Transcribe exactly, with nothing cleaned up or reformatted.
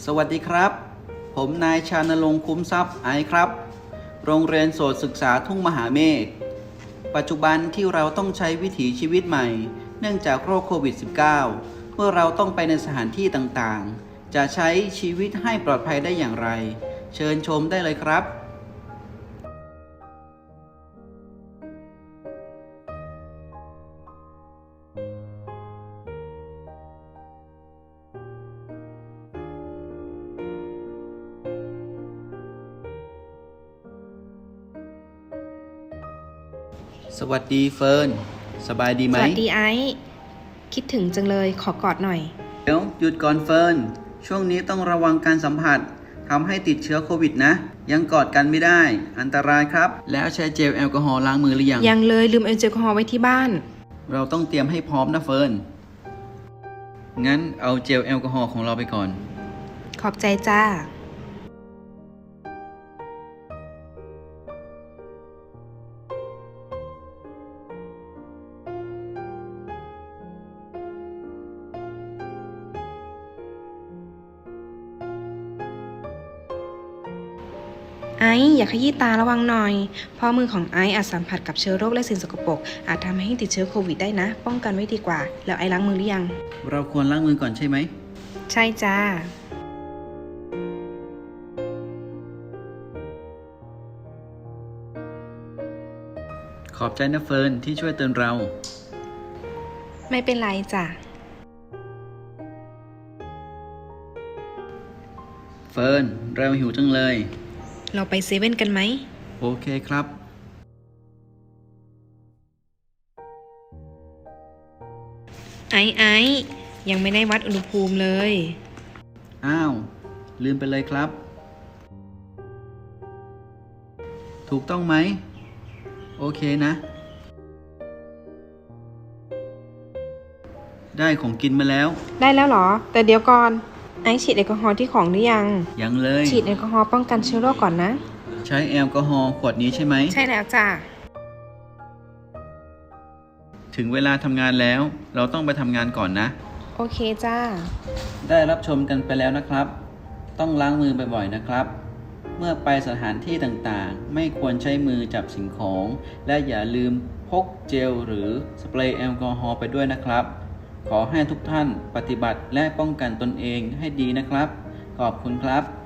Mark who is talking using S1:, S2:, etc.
S1: สวัสดีครับผมนายชานรงค์คุ้มทรัพย์ไอครับโรงเรียนโสตศึกษาทุ่งมหาเมฆปัจจุบันที่เราต้องใช้วิถีชีวิตใหม่เนื่องจากโรคโควิด สิบเก้า เมื่อเราต้องไปในสถานที่ต่างๆจะใช้ชีวิตให้ปลอดภัยได้อย่างไรเชิญชมได้เลยครับสวัสดีเฟิร์นสบายดีไหม
S2: สวัสดีไอซ์คิดถึงจังเลยขอกอดหน่อย
S1: เดี๋ยวหยุดก่อนเฟิร์นช่วงนี้ต้องระวังการสัมผัสทำให้ติดเชื้อโควิดนะยังกอดกันไม่ได้อันตรายครับแล้วใช้เจลแอลกอฮอล์ล้างมือหรือยัง
S2: ยังเลยลืมแอลกอฮอล์ไว้ที่บ้าน
S1: เราต้องเตรียมให้พร้อมนะเฟิร์นงั้นเอาเจลแอลกอฮอล์ของเราไปก่อน
S2: ขอบใจจ้าไอซ์อย่าขยี้ตาระวังหน่อยเพราะมือของไอซ์อาจสัมผัสกับเชื้อโรคและสิ่งสกปรกอาจทำให้ติดเชื้อโควิดได้นะป้องกันไว้ดีกว่าแล้วไอซ์ล้างมือหรือยัง
S1: เราควรล้างมือก่อนใช่ไหม
S2: ใช่จ้า
S1: ขอบใจนะเฟิร์นที่ช่วยเตือนเรา
S2: ไม่เป็นไรจ้ะ
S1: เฟิร์นเราหิวจังเลย
S2: เราไปเซเว่นกันไหม
S1: โอเคครับ
S2: ไอซ์ไอซ์ยังไม่ได้วัดอุณหภูมิเลย
S1: อ้าวลืมไปเลยครับถูกต้องไหมโอเคนะได้ของกินมาแล้ว
S2: ได้แล้วเหรอแต่เดี๋ยวก่อนไอซ์ฉีดแอลกอฮอล์ที่ของหรือยัง
S1: ยังเลย
S2: ฉีดแอลกอฮอล์ป้องกันเชื้อโรคก่อนนะ
S1: ใช้แอลกอฮอล์ขวดนี้ใช่ไหม
S2: ใช่แล้วจ้ะ
S1: ถึงเวลาทำงานแล้วเราต้องไปทำงานก่อนนะ
S2: โอเคจ้า
S1: ได้รับชมกันไปแล้วนะครับต้องล้างมือบ่อยๆนะครับเมื่อไปสถานที่ต่างๆไม่ควรใช้มือจับสิ่งของและอย่าลืมพกเจลหรือสเปรย์แอลกอฮอล์ไปด้วยนะครับขอให้ทุกท่านปฏิบัติและป้องกันตนเองให้ดีนะครับขอบคุณครับ